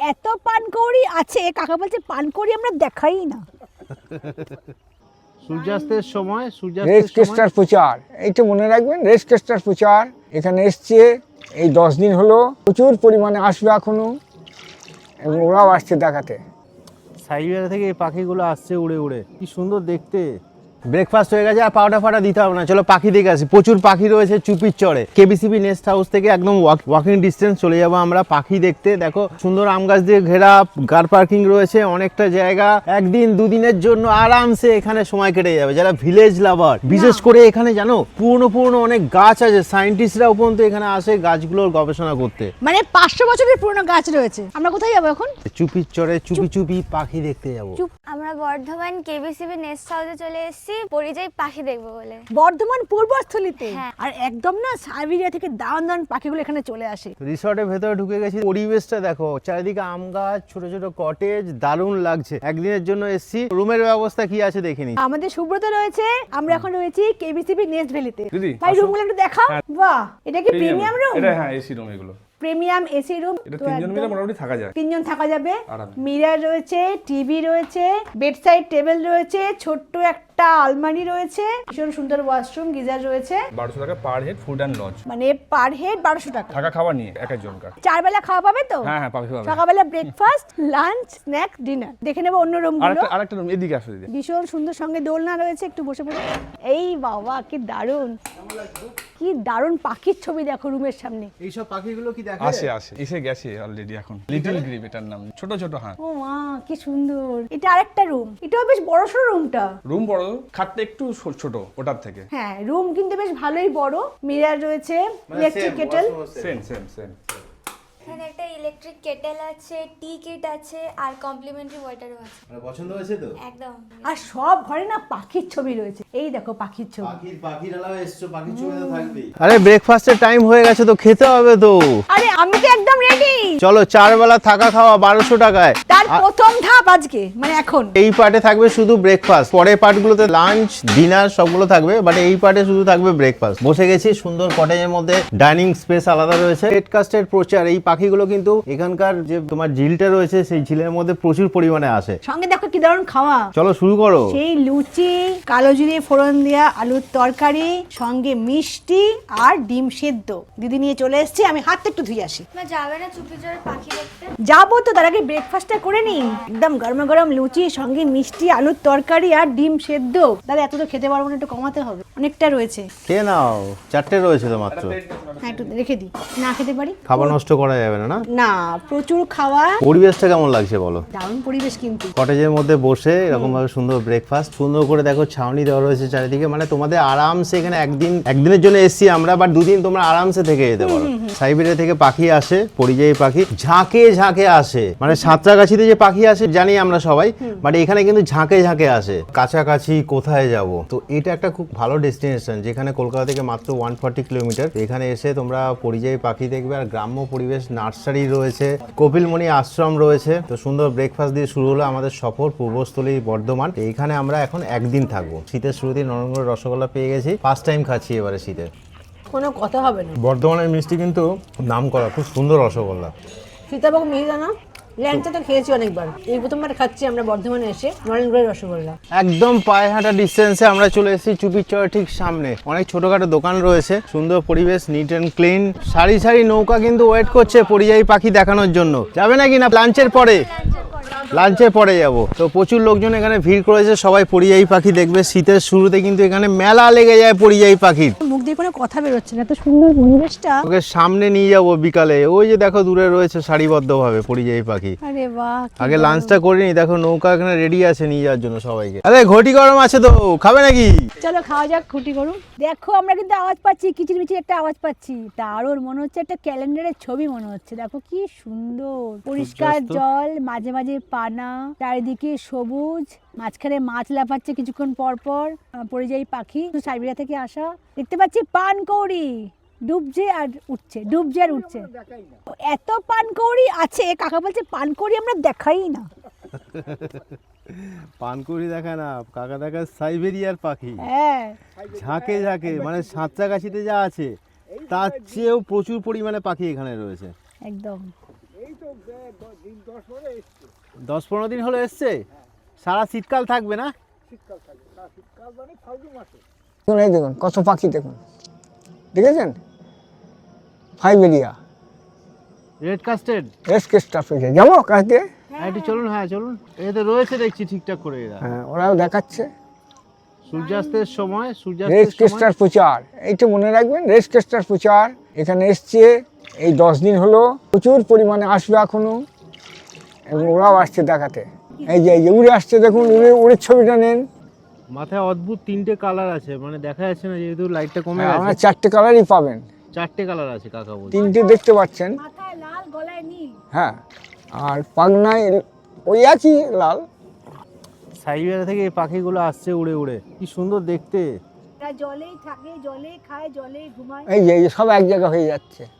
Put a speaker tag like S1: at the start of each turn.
S1: এত পানকৌড়ি আছে, কাকা বলছে পানকৌড়ি আমরা দেখাই না।
S2: সূর্যাস্তের সময়
S3: রেস্টকেস্টার প্রচার, এইটা মনে রাখবেন, রেস্টকেস্টার প্রচার এখানে এসছে এই 10 দিন হলো, প্রচুর পরিমাণে আসবে এখনো, এবং ওরাও আসছে দেখাতে।
S2: সাইবেরিয়া থেকে এই পাখিগুলো আসছে উড়ে উড়ে, কি সুন্দর দেখতে। ব্রেকফাস্ট হয়ে গেছে, আর পাউডার ফাটা দিতে হবে না, চলো পাখি দেখে আসি। প্রচুর পাখি রয়েছে চুপির চড়ে। কেবিসিবি নেস্ট হাউস থেকে একদম ওয়াকিং ডিস্টেন্স চলে যাবো আমরা পাখি দেখতে। দেখো সুন্দর আম গাছ দিয়ে ঘেরা, কার পার্কিং রয়েছে, অনেকটা জায়গা। একদিন দুদিনের জন্য আরামসে এখানে সময় কেটে যাবে যারা ভিলেজ লাভার। বিশেষ করে এখানে জানো পুরনো অনেক গাছ আছে, সায়েন্টিস্টরাও পর্যন্ত এখানে আসে গাছগুলোর গবেষণা করতে।
S1: মানে 500 বছরের পুরনো গাছ রয়েছে। আমরা কোথায় যাবো এখন?
S2: চুপির চড়ে চুপি পাখি দেখতে যাবো।
S4: আমরা বর্ধমান কেবিসিবি নেস্ট হাউসে চলে এসেছি পরিযায়ী পাখি দেখবো বলে।
S1: বর্ধমান পূর্বস্থলীতে।
S4: হ্যাঁ।
S1: আর একদম না সাইবেরিয়া থেকে দারুণ পাখিগুলো এখানে চলে আসে।
S2: রিসর্টের ভেতরে ঢুকে গেছি, পরিবেশটা দেখো, চারিদিকে আম গাছ, ছোট ছোট কটেজ, দারুণ লাগছে। একদিনের জন্য এসেছি, রুমের ব্যবস্থা কি আছে দেখিনি।
S1: আমাদের সুব্রত রয়েছে, আমরা এখন রয়েছি কেবিসিবি নেস্ট ভ্যালিতে।
S5: দিদি,
S1: ভাই
S5: আসো।
S1: রুমগুলো একটু দেখাও। বাহ, এটা কি প্রিমিয়াম রুম?
S5: এটা হ্যাঁ এসি রুম এগুলো।
S1: Premium AC room.
S5: এটা তিনজন মিলে মোটামুটি থাকা যায়।
S1: 3 জন থাকা যাবে।
S5: আরামে।
S1: মিরর রয়েছে, টিভি রয়েছে, বেডসাইড টেবিল রয়েছে, ছোট্ট একটা আলমারি রয়েছে, ভীষণ সুন্দর ওয়াশরুম, গিজার রয়েছে।
S5: 1200 টাকা per head food and lodge.
S1: মানে পার হেড 1200 টাকা।
S5: থাকা খাওয়া নিয়ে এক একজনকার।
S1: 4 বেলা খাওয়া পাবে তো?
S5: হ্যাঁ হ্যাঁ পাবে পাবে।
S1: সকালবেলা ব্রেকফাস্ট, লাঞ্চ, স্ন্যাক, ডিনার। দেখে নেবো অন্য রুমগুলো।
S5: আরেকটা রুম এদিকে আসো দিদি।
S1: ভীষণ সুন্দর, সঙ্গে দোলনা রয়েছে, একটু বসে পড়ে। এই বাবা কি দারুণ, কি দারুণ পাখির ছবি দেখো রুমের সামনে।
S2: এইসব পাখিগুলো কি দেখা
S5: আসে এসে গেছে অলরেডি এখন। লিটল গ্রিপ এটার নাম, ছোট ছোট হাঁস।
S1: ও মা কি সুন্দর। এটা আরেকটা রুম, এটাও বেশ বড়সড় রুমটা।
S5: রুম বড়, খাটটা একটু ছোট ওটার থেকে।
S1: হ্যাঁ, রুম কিন্তু বেশ ভালোই বড়। মিরর রয়েছে, ইলেকট্রিক কেটেল।
S5: সেম।
S4: এখানে একটা ইলেকট্রিক কেটেল আছে, টি কিট আছে, আর কমপ্লিমেন্টারি ওয়াটারও আছে।
S2: মানে পছন্দ হয়েছে তো?
S4: একদম।
S1: আর সব ঘরে না পাখির ছবি রয়েছে। এই দেখো পাখির ছবি।
S2: পাখিরালাও এসছো, পাখির ছবি তো থাকবেই। আরে ব্রেকফাস্টের টাইম হয়ে গেছে তো, খেতে হবে তো।
S1: আরে আমি তো একদম রেডি।
S2: চলো 4 বেলা থাকা খাওয়া 1200 টাকায়।
S1: তার প্রথম ধাপ আজকে, মানে এখন।
S2: এই পার্টে থাকবে শুধু ব্রেকফাস্ট, পরের পার্টগুলোতে লাঞ্চ ডিনার সবগুলো থাকবে, বাট এই পার্টে শুধু থাকবে ব্রেকফাস্ট। বসে গেছি সুন্দর কটেজের মধ্যে, ডাইনিং স্পেস আলাদা রয়েছে। রেডকাস্টের প্রচার, এই পাখিগুলো কিন্তু এখানকার যে তোমার ঝিলটা রয়েছে সেই ঝিলের মধ্যে প্রচুর পরিমাণে আসে।
S1: সঙ্গে দেখো কি দারুণ খাওয়া।
S2: চলো শুরু করো।
S1: সেই লুচি, কালো জিরে ফোড়ন দেওয়া আলুর তরকারি, সঙ্গে মিষ্টি আর ডিম সেদ্ধ। দিদি নিয়ে চলে এসেছি, আমি হাতটা একটু ধুয়ে আসি।
S4: তোমরা যাবে না চুপি চড়ে পাখি দেখতে?
S1: যাবো তো, তার আগে ব্রেকফাস্টটা করে নি। একদম গরম গরম লুচি, সঙ্গে মিষ্টি, আলুর তরকারি আর ডিম সেদ্ধ। দাদা এত তো খেতে পারবো না, একটু কমাতে হবে, অনেকটা রয়েছে।
S2: খেয়ে নাও, 4টে রয়েছে তো মাত্র।
S1: হ্যাঁ একটু রেখে দিই, না খেতে পারি।
S2: খাবার নষ্ট করা যাবে না। না
S1: না, প্রচুর খাওয়া।
S2: পরিবেশটা কেমন লাগছে বলো?
S1: দারুণ পরিবেশ কিন্তু।
S2: কটেজের মধ্যে বসে এরকম ভাবে সুন্দর ব্রেকফাস্ট, সুন্দর করে দেখো ছাউনি দেওয়া রয়েছে চারিদিকে, মানে তোমাদের আরামসে এখানে একদিনের জন্য এসছি আমরা, বাট 2 দিন তোমরা আরামসে থেকে যেতে পারো। সাইবেরিয়া থেকে পাখি আসে, পরিযায়ী পাখি ঝাঁকে আসে, মানে সাঁতরাগাছিতে যে পাখি আসে জানি আমরা সবাই, বাট এখানে কিন্তু ঝাঁকে আসে। কাছাকাছি কোথায় যাব, তো এটা একটা খুব ভালো ডেস্টিনেশন, যেখানে কলকাতা থেকে মাত্র 140 কিলোমিটার। এখানে এসে তোমরা পরিযায়ী পাখি দেখবে, আর গ্রাম্য পরিবেশ, নার্সারি রয়েছে, কপিলমণি আশ্রম রয়েছে। তো সুন্দর ব্রেকফাস্ট দিয়ে শুরু হলো আমাদের সফর পূর্বস্থলী বর্ধমান। এইখানে আমরা এখন একদিন থাকবো। শীতের শুরুতেই নরমগড় রসগোল্লা পেয়ে গেছি, ফার্স্ট টাইম খাচ্ছি এবারে শীতে।
S1: কোনো কথা হবে না।
S2: বর্ধমানের মিষ্টি কিন্তু নাম করা, খুব সুন্দর রসগোল্লা।
S1: সীতাভোগ মিহিদানা, ল্যাংচা তো খেয়েছি অনেকবার, এই প্রথমবার খাচ্ছি আমরা বর্ধমানে এসে নরেন্দ্রের রসগোল্লা।
S2: একদম পায়ে হাঁটা ডিস্টেন্সে আমরা চলে এসেছি চুপির চরের ঠিক সামনে। অনেক ছোটখাটো দোকান রয়েছে, সুন্দর পরিবেশ, নিট অ্যান্ড ক্লিন। সারি নৌকা কিন্তু ওয়েট করছে পরিযায়ী পাখি দেখানোর জন্য। যাবে নাকি না লাঞ্চের পরে? লাঞ্চের পরে যাব। তো প্রচুর লোকজন এখানে ভিড় করেছে, সবাই পরিযায়ী পাখি দেখবে। শীতের শুরুতে কিন্তু এখানে মেলা লেগে যায় পরিযায়ী পাখির।
S1: মুখ দিয়ে কোনো কথা বেরোচ্ছে না, এত সুন্দর পরিবেশটা।
S2: ওকে সামনে নিয়ে যাবো বিকালে, ওই যে দেখো দূরে রয়েছে সারিবদ্ধভাবে পরিযায়ী পাখি।
S1: আরে বাহ,
S2: আগে লাঞ্চটা করে নি, দেখো নৌকা এখানে রেডি আছে নিয়ে যাওয়ার জন্য সবাইকে। আরে ঘটি গরম আছে তো, খাবে নাকি?
S1: চলো খাওয়া যাক, খুঁটি করুন। দেখো আমরা কিন্তু আওয়াজ পাচ্ছি, কিচিরমিচির একটা আওয়াজ পাচ্ছি। দারুণ মনে হচ্ছে একটা ক্যালেন্ডারের ছবি মনে হচ্ছে। দেখো কি সুন্দর পরিষ্কার জল, মাঝে মাঝে পানা, চারিদিকে সবুজ, মাঝখানে মাছ লাফাচ্ছে কিছুক্ষণ পর পর। পরিযায়ী পাখি সাইবেরিয়া থেকে আসা। দেখতে পাচ্ছি পানকৌড়ি ডুবছে আর উঠছে, ডুবছে আর উঠছে। এত পানকৌড়ি আছে, কাকা বলছে পানকৌড়ি আমরা দেখাই না।
S2: পানকুড়ি দেখা না, কাকা দেখা সাইবেরিয়ার পাখি।
S1: হ্যাঁ,
S2: ঝাঁকে মানে সাঁতরাগাছিতে যা আছে তার চেয়েও প্রচুর পরিমাণে পাখি এখানে রয়েছে।
S1: একদম।
S3: দিন 10-12 এসছে
S2: 10-15 দিন হলো এসছে, সারা শীতকাল থাকবে না?
S3: শীতকাল থাকে, শীতকাল মানে ফাল্গুন মাসে। দেখুন এই দেখুন কত পাখি দেখুন, দেখেছেন? ফাইবেরিয়া
S2: রেড কাস্টেড
S3: রেস্কেস্টার পেয়েছে, যাবো কাছে?
S2: একটু চলুন, হ্যাঁ চলুন। এতে রয়েছে দেখছি ঠিকঠাক করে এরা।
S3: হ্যাঁ, ওরাও দেখাচ্ছে
S2: সূর্যাস্তের সময়,
S3: রেস্কেস্টার প্রচার, এইটা মনে রাখবেন, রেস্কেস্টার প্রচার এখানে এসছে এই 10 দিন হলো, প্রচুর পরিমাণে আসবে এখনো, এবং ওরাও আসছে দেখাতে। এই যে উড়ে আসছে দেখুন, উড়ে ছবিটা নেন।
S2: মাথায় অদ্ভুত 3টে কালার আছে, মানে দেখা যাচ্ছে না যেহেতু লাইটটা কমে
S3: আমরা
S2: গেছে।
S3: 4টে কালারই পাবেন,
S2: 4টে কালার আছে কাকা বলছে।
S3: 3টে দেখতে পাচ্ছেন।
S1: মাথায় লাল, গলায় নীল।
S3: হ্যাঁ, আর পাগনায় ওই একই লাল।
S2: সাইবেরিয়া থেকে এই পাখিগুলো আসছে উড়ে উড়ে, কি সুন্দর দেখতে।
S1: এরা জলেই থাকে, জলেই খায়, জলেই ঘুমায়।
S3: এই যে সব এক জায়গা হয়ে যাচ্ছে।